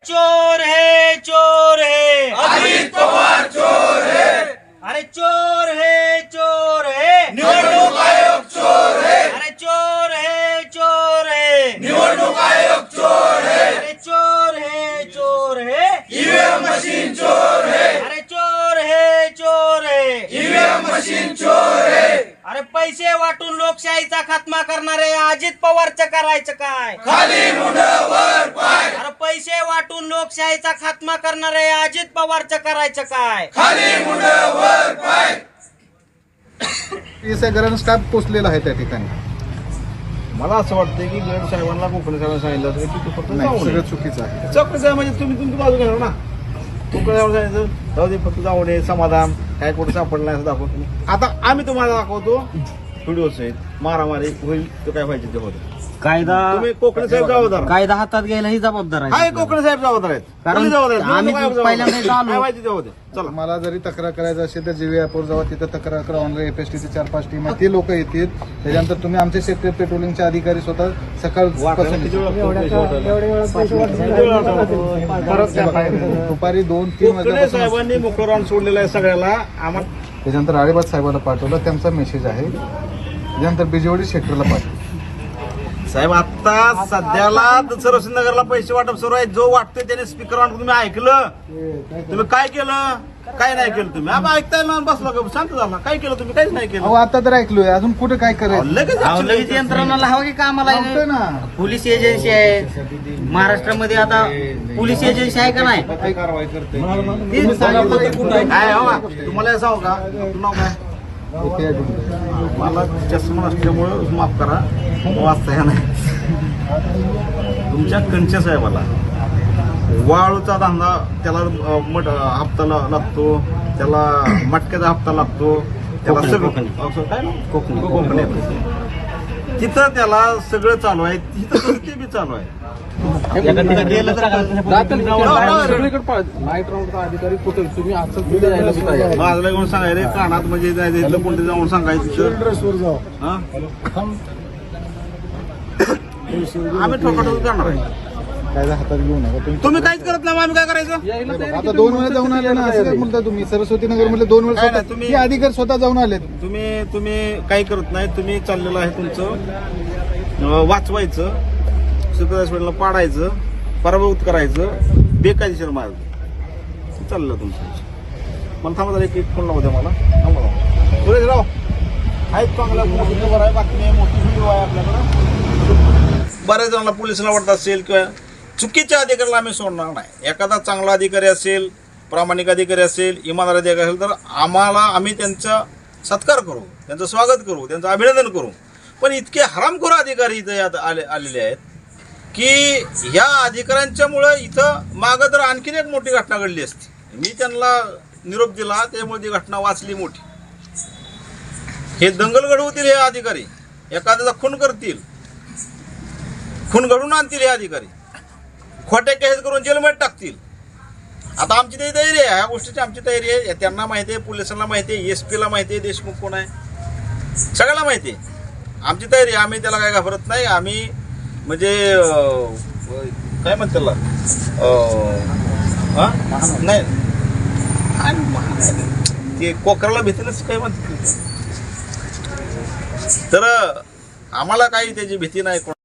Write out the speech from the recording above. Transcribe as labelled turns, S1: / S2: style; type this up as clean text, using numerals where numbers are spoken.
S1: चोर है
S2: अजित पवार चोर है।
S1: अरे चोर है
S2: निवडणूक आयोग चोर है।
S1: अरे चोर है
S2: निवडणूक आयोग चोर है।
S1: अरे चोर है
S2: ईवीएम मशीन चोर है।
S1: अरे चोर है
S2: ईवीएम मशीन चोर है।
S1: अरे पैसे वाटून लोकशाहीचा खात्मा करणारे अजित पवारचं करायचं काय?
S2: खाली मुंड वर पाय।
S1: अरे पैसे वाटून लोकशाहीचा खात्मा करणारे अजित पवारचं करायचं काय?
S2: खाली मुंड वर पाय।
S3: गरण स्टाफ पोचलेला आहे त्या ठिकाणी.
S4: मला असं वाटतं की गड साहेबांना कोकणी साहेबांना सांगितलं होतं की तू फक्त
S3: नाही,
S4: जाऊ
S3: सगळं
S4: नये.
S3: चुकीचं आहे.
S4: चौकशी आहे म्हणजे तुम्ही तुमची बाजू घेणार ना. कोकणी साहेबांना सांगितलं जाऊ दे फक्त जाऊ नये समाधान काय कुठं सापडलं नाही असं दाखवतो. आता आम्ही तुम्हाला दाखवतो व्हिडिओ सहित मारामारी होईल तर काय पाहिजे ते होतं. तुम्ही कोकणी साहेब जबाबदार
S1: कायदा हातात घ्यायला ही जबाबदार
S4: आहे. कोकणी साहेब जबाबदार आहेत.
S1: कारण
S4: कोणी जबाबदार आहेत?
S1: आम्ही
S4: जबाबदार आहेत.
S1: पहिल्यांदा इथं आलो.
S4: काय पाहिजे ते होते. चला
S3: मला जरी तक्रार करायचं असेल तर जीवी ॲपवर जावा, तिथं तक्रार करा. ऑनलाईन FSTचे 4-5 टीम आहे, ते लोक येतील. त्याच्यानंतर तुम्ही आमचे सेक्टर पेट्रोलिंगचे अधिकारी स्वतः
S4: वाटायला किती वेळ लागतो पैसे वाटायला?
S3: दुपारी 2-3
S4: कोकणे
S3: वाजल्यापासून.
S4: साहेबांनी मोकळं रान सोडलेलं आहे सगळ्याला. आम्हाला
S3: त्याच्यानंतर आळेबाद साहेबाला पाठवलं, त्यांचा मेसेज आहे. त्याच्यानंतर बिजवडी सेक्टरला पाठवलं.
S4: साहेब आता सध्याला सरस्वतीनगरला पैसे वाटप सुरू आहे. जो वाटतोय त्याने स्पीकर ऑन तुम्ही ऐकलं. तुम्ही काय केलं काय नाही केलं तुम्ही. आम्ही ऐकताय ना बसला का शांत झाला. काय केलं तुम्ही काहीच नाही
S3: अहो
S4: केलं.
S3: आता तर ऐकलोय, अजून कुठे काय करायचं?
S1: लगेच यंत्रणाला हवं की कामाला
S3: लावतोय ना.
S1: पोलीस एजन्सी आहे महाराष्ट्रामध्ये. आता पोलीस एजन्सी आहे का नाही?
S4: काय हो तुम्हाला हे सांगू का तुमचं नाव काय.
S3: इथे आहे तुमचं.
S4: मला चष्मा नसल्यामुळं माफ करा वाचता ह्या नाही. तुमच्या कंचे साहेबाला वाळूचा धंदा त्याला हप्ता लागतो, त्याला मटक्याचा हप्ता लागतो, त्याला सगळं काय ना कोकणी तिथं त्याला सगळं चालू आहे. तिथं ते बी चालू आहे. माझं घेऊन सांगायला कानात म्हणजे जायचं कोणते जाऊन सांगायचं. आम्ही ठोकाठोक करणार आहे.
S3: कायदा हातात घेऊ नका
S4: तुम्ही काहीच करत नाही आम्ही काय करायचं.
S3: आता 2 वेळा जाऊन आले ना, असं काय म्हणता तुम्ही? सरस्वती नगर मध्ये 2 वेळा
S4: काय नाही,
S3: स्वतः-
S4: तुम्ही-
S3: हे अधिकारी स्वतः जाऊन आले.
S4: तुम्ही काही करत नाही. तुम्ही चाललेलं आहे तुमचं वाचवायचं, सुपरवायझरला पाडायचं, पराभूत करायचं, बेकायदेशीर मार्ग चाललं तुमचं. मला थांबा एक फोन लावू द्या मला. थांबा सुरेश राव आहेत चांगला मोठी खबर आहे, बातमी आहे, मोठी व्हिडिओ आहे आपल्याकडं. बऱ्याच जणांना पोलिसांना वाटत असेल किंवा चुकीच्या अधिकाऱ्याला आम्ही सोडणार नाही. एखादा चांगला अधिकारी असेल, प्रामाणिक अधिकारी असेल, इमानदार अधिकारी असेल तर आम्ही त्यांचा सत्कार करू, त्यांचं स्वागत करू, त्यांचं अभिनंदन करू. पण इतके हरामखोर अधिकारी इथं आलेले आहेत की ह्या अधिकाऱ्यांच्यामुळं इथं मागं तर आणखीन एक मोठी घटना घडली असती. मी त्यांना निरोप दिला त्यामुळे ती घटना वाचली मोठी. हे दंगल घडवतील हे अधिकारी, एखाद्याचा खून करतील, खून घडून आणतील हे अधिकारी, खोट्या केस करून जेलमध्ये टाकतील. आता आमची ते तयारी आहे, ह्या गोष्टीची आमची तयारी आहे. त्यांना माहिती आहे, पोलिसांना माहिती आहे, SP ला माहिती आहे देशमुख कोण आहे, सगळ्याला माहिती आहे. आमची तयारी आहे, आम्ही त्याला काय घाबरत नाही. आम्ही म्हणजे काय म्हणते त्याला नाही ते कोकराला भीतीनच काय म्हणते. तर आम्हाला काही त्याची भीती नाही.